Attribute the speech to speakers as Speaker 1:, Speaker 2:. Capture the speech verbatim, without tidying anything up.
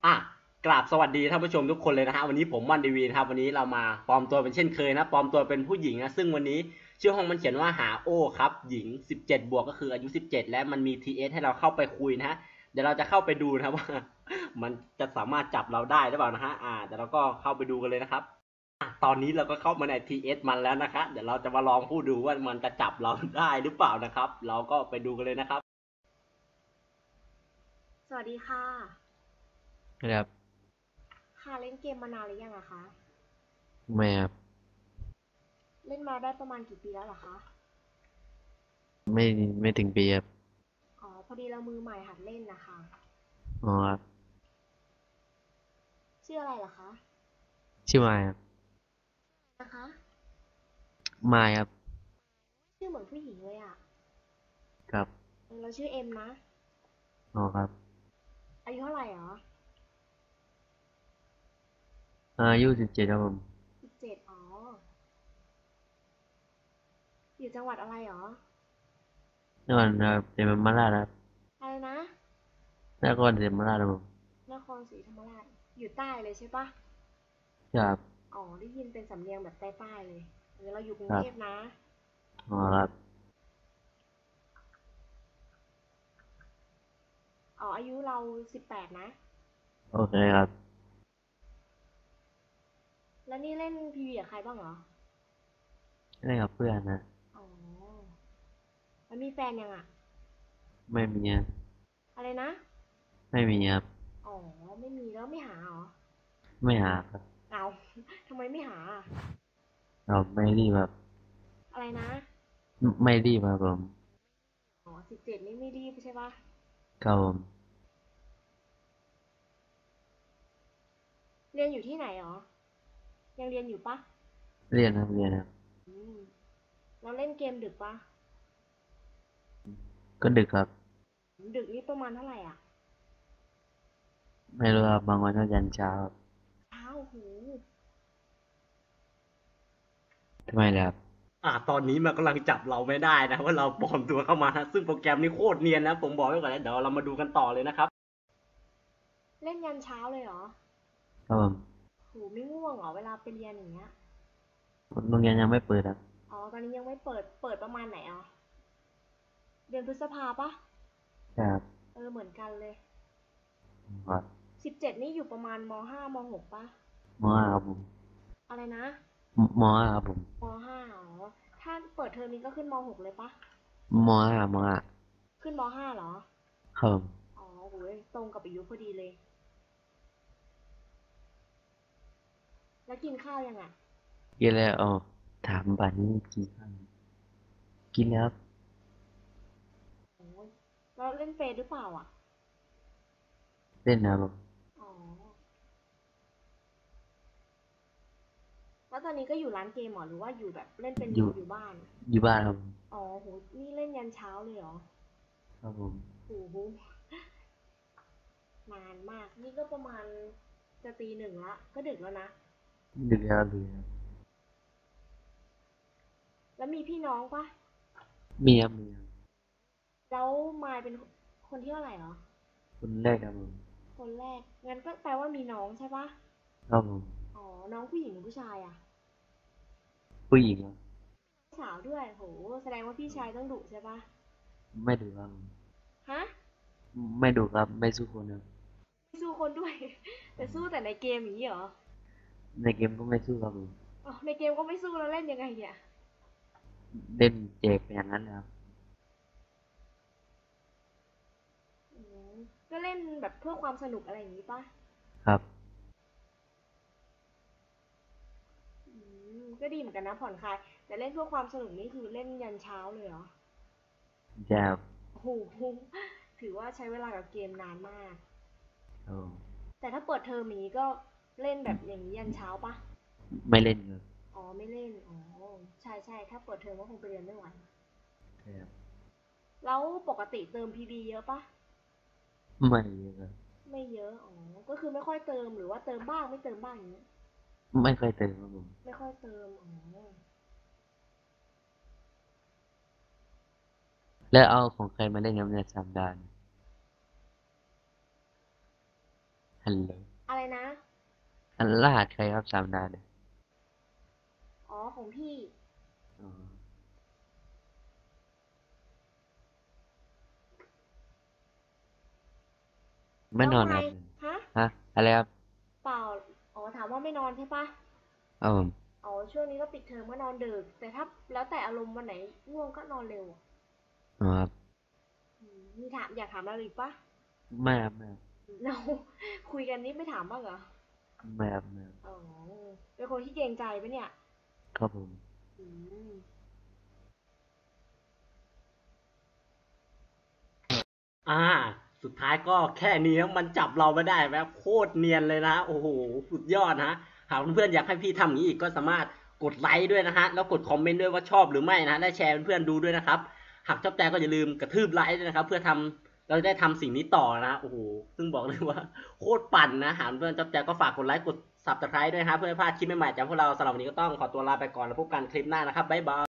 Speaker 1: อ่ะกราบสวัสดีท่านผู้ชมทุกคนเลยนะฮะวันนี้ผมวันดีวีนะครับวันนี้เรามาปลอมตัวเป็นเช่นเคยนะปลอมตัวเป็นผู้หญิงนะซึ่งวันนี้ชื่อห้องมันเขียนว่าหาโอ้ครับหญิงสิบเจ็ดบวกก็คืออายุสิบเจ็ดและมันมี ที เอส ให้เราเข้าไปคุยนะฮะเดี๋ยวเราจะเข้าไปดูนะว่ามันจะสามารถจับเราได้หรือเปล่านะฮะอ่าเดี๋ยวเราก็เข้าไปดูกันเลยนะครับอ่ะตอนนี้เราก็เข้ามาใน ที เอส มันแล้วนะคะเดี๋ยวเราจะมาลองพูดดูว่ามันจะจับเราได้หรือเปล่านะครับเราก็ไปดูกันเลยนะครับ
Speaker 2: สวัสดีค่ะ
Speaker 3: ครับ
Speaker 2: ค่ะเล่นเกมมานานหรือยังอะคะ
Speaker 3: ไม่ครับ
Speaker 2: เล่นมาได้ประมาณกี่ปีแล้วเหรอคะ
Speaker 3: ไม่ไม่ถึงปีครับ
Speaker 2: อ๋อพอดีเรามือใหม่หัดเล่นนะคะ
Speaker 3: อ๋อครับ
Speaker 2: ชื่ออะไรเหรอคะ
Speaker 3: ชื่อมายครับ
Speaker 2: นะคะ
Speaker 3: มายครับ
Speaker 2: ชื่อเหมือนผู้หญิงเลยอะ
Speaker 3: ครับ
Speaker 2: เออเราชื่อเอ็มนะ
Speaker 3: อ๋อครับ
Speaker 2: อายุเท่าไหร่หรอ
Speaker 3: อายุสิบเจ็ดครับผม
Speaker 2: สิบเจ็ดอ๋ออยู่จังหวัดอะไรหรอ
Speaker 3: นครครับเดมมาราชครับ
Speaker 2: อะไรนะ
Speaker 3: นครเดมราชครับผม
Speaker 2: นครศรีธรรมราชอยู่ใต้เลยใช่ปะ
Speaker 3: ครับ
Speaker 2: อ๋อได้ยินเป็นสำเนียงแบบใต้ๆเลยเออเราอยู่กรุงเทพ
Speaker 3: ครับ
Speaker 2: นะ
Speaker 3: อ๋อครับ
Speaker 2: อ๋ออายุเราสิบแปดนะ
Speaker 3: โอเคครับ
Speaker 2: แล้วนี่เล่นพีวีกับใครบ้างเหรอ
Speaker 3: ได้กับเพื่อนนะ
Speaker 2: อ๋อแล้วมีแฟนยังอะ
Speaker 3: ไม่มีครับ
Speaker 2: อะไรนะ
Speaker 3: ไม่มีครับ
Speaker 2: อ๋อไม่มีแล้วไม่หาเหรอ
Speaker 3: ไม่หาครับ
Speaker 2: เอาทำไมไม่หา
Speaker 3: เราไม่รีบแบบ
Speaker 2: อะไรนะ
Speaker 3: ไม่รีบครับผม
Speaker 2: อ๋อสิบเจ็ดนี่ไม่รีบใช่ปะ
Speaker 3: ครับผม
Speaker 2: เรียนอยู่ที่ไหนหรอยังเรียนอยู่ปะ
Speaker 3: เรียนครับเรียนครับ
Speaker 2: อืมเราเล่นเกมดึกปะ
Speaker 3: ก็ดึกครับ
Speaker 2: ดึกนี่ประมาณเท่าไหร่อ่ะ
Speaker 3: ไม่รู้ครับบางวันก็ยันเช้าครับ
Speaker 2: เช้าหู
Speaker 3: ทำไมล่ะครับ
Speaker 1: อ่าตอนนี้มันกำลังจับเราไม่ได้นะว่าเราปลอมตัวเข้ามานะซึ่งโปรแกรมนี้โคตรเนียนนะผมบอกไว้ก่อนนะเดี๋ยวเรามาดูกันต่อเลยนะครับ
Speaker 2: เล่นยันเช้าเลยเหรอ
Speaker 3: ครับผม
Speaker 2: หูไม่ง่วงเหรอเวลาไปเรียนอย่างเงี้ย
Speaker 3: โรงเรียนยังไม่เปิดครับ
Speaker 2: อ๋อตอนนี้ยังไม่เปิดเปิดประมาณไหนอ่ะเดือนพฤษภาปะ
Speaker 3: ครับ
Speaker 2: เออเหมือนกันเลย
Speaker 3: ครับ
Speaker 2: สิบเจ็ดนี่อยู่ประมาณมห้ามหกปะ
Speaker 3: มห้าครับผม
Speaker 2: อะไรนะ
Speaker 3: มห้าครับผม
Speaker 2: มห้าอ๋อถ้าเปิดเทอมนี้ก็ขึ้นมหกเลยปะ
Speaker 3: มห้ามห้า
Speaker 2: ขึ้นมห้าเหรอ
Speaker 3: ครับ
Speaker 2: อ๋อโหยตรงกับอายุพอดีเลย แล้วกินข้าวยังอ่ะ
Speaker 3: กินแล้วอ๋อถามบัตรนี้กินข้าวกินแล้วครับ
Speaker 2: โอ้ยแล้วเล่นเฟซหรือเปล่าอ่ะ
Speaker 3: เล่นนะครับผม
Speaker 2: อ๋อแล้วตอนนี้ก็อยู่ร้านเกมเหรอหรือว่าอยู่แบบเล่นเป็น
Speaker 3: อยู่
Speaker 2: อยู่บ้าน
Speaker 3: อยู่บ้านครับผม
Speaker 2: อ๋อโหนี่เล่นยันเช้าเลยเหรอ
Speaker 3: ครับผม
Speaker 2: โอ้โหนานมาก นี่ก็ประมาณจะตีหนึ่งละก็ดึกแล้วนะ
Speaker 3: ดึกแล้วดึกแล้ว
Speaker 2: แล้วมีพี่น้องปะ
Speaker 3: มีครับมีครับ
Speaker 2: แล้วมายเป็นคนที่เท่าไหร่เหรอ
Speaker 3: คนแรกครับผม
Speaker 2: คนแรก งั้นก็แปลว่ามีน้องใช่ปะ
Speaker 3: ครับผม
Speaker 2: อ๋อน้องผู้หญิงหรือผู้ชายอ่ะ
Speaker 3: ผู้หญิงครับ
Speaker 2: สาวด้วยโหแสดงว่าพี่ชายต้องดุใช่ปะ
Speaker 3: ไม่ดุครับผม
Speaker 2: ฮะ
Speaker 3: ไม่ดุครับไม่สู้คนครับ
Speaker 2: ไม่สู้คนด้วยแต่สู้แต่ในเกมอย่างนี้เหรอ
Speaker 3: ในเกมก็ไม่สู้ครับผม
Speaker 2: อ๋อในเกมก็ไม่สู้แล้วเล่นยังไงเนี่ย
Speaker 3: เล่นแจกอย่างนั้นนะครับ
Speaker 2: อืมก็เล่นแบบเพื่อความสนุกอะไรอย่างนี้ปะ
Speaker 3: ครับ
Speaker 2: อืมก็ดีเหมือนกันนะผ่อนคลายแต่เล่นเพื่อความสนุกนี่คือเล่นยันเช้าเลยเหรอ
Speaker 3: จะครับ
Speaker 2: โอ้โหถือว่าใช้เวลากับเกมนานมาก
Speaker 3: ครับผม
Speaker 2: แต่ถ้าเปิดเทอมอย่างนี้ก็เล่นแบบอย่างนี้ยันเช้าปะ
Speaker 3: ไม่เล่นครับ
Speaker 2: อ๋อไม่เล่นอ๋อใช่ใช่ถ้าเปิดเทอมก็คงไปเรียนไม่ไหว
Speaker 3: ครับ
Speaker 2: แล้วปกติเติมพีบีเยอะปะ
Speaker 3: ไม่เยอะครับ
Speaker 2: ไม่เยอะอ๋อก็คือไม่ค่อยเติมหรือว่าเติมบ้างไม่เติมบ้างอย่างนี้
Speaker 3: ไม่เคยเติมครับผม
Speaker 2: ไม่ค่อยเติมอ๋อ
Speaker 3: แล้วเอาของใครมาเล่นครับเนี่ยสามดานฮัลโหล
Speaker 2: อะไรนะ
Speaker 3: อันรหัสใครครับสามดาวเนี่ย
Speaker 2: อ๋อของพี่
Speaker 3: อ๋อไม่นอนครับ
Speaker 2: ฮะ
Speaker 3: ฮะอะไรครับ
Speaker 2: เปล่า อ๋อถามว่าไม่นอนใช่ปะ
Speaker 3: อ๋อ
Speaker 2: อ๋อช่วงนี้ก็ปิดเทอมก็นอนดึก แต่ถ้าแล้วแต่อารมณ์วันไหนง่วงก็นอนเร็ว
Speaker 3: อ๋อครับ
Speaker 2: อืมมีถามอยากถามอะไรอีกปะ
Speaker 3: ไม่ครับไม่ครับ
Speaker 2: เราคุยกันนี่ไม่ถามบ้างเหรอ
Speaker 3: ไม่ครับไม่ครับ
Speaker 2: อ๋อเป็นคนที่เกรงใจปะเนี่ย
Speaker 3: ครับผม
Speaker 2: อืม
Speaker 1: อ่า สุดท้ายก็แค่นี้นะมันจับเราไม่ได้แบบโคตรเนียนเลยนะโอ้โหสุดยอดนะหากเพื่อนๆอยากให้พี่ทำอย่างนี้อีกก็สามารถกดไลค์ด้วยนะฮะแล้วกดคอมเมนต์ด้วยว่าชอบหรือไม่นะและแชร์เพื่อนๆดูด้วยนะครับหากชอบใจก็อย่าลืมกระทืบไลค์ด้วยนะครับเพื่อทำเราจะได้ทำสิ่งนี้ต่อนะโอ้โหซึ่งบอกเลยว่าโคตรปั่นนะหากเพื่อนชอบใจก็ฝากกดไลค์กด ซับสไครบ์ ด้วยนะครับเพื่อไม่พลาดคลิปใหม่ๆจากพวกเราสำหรับวันนี้ก็ต้องขอตัวลาไปก่อนแล้วพบกันคลิปหน้านะครับบ๊ายบาย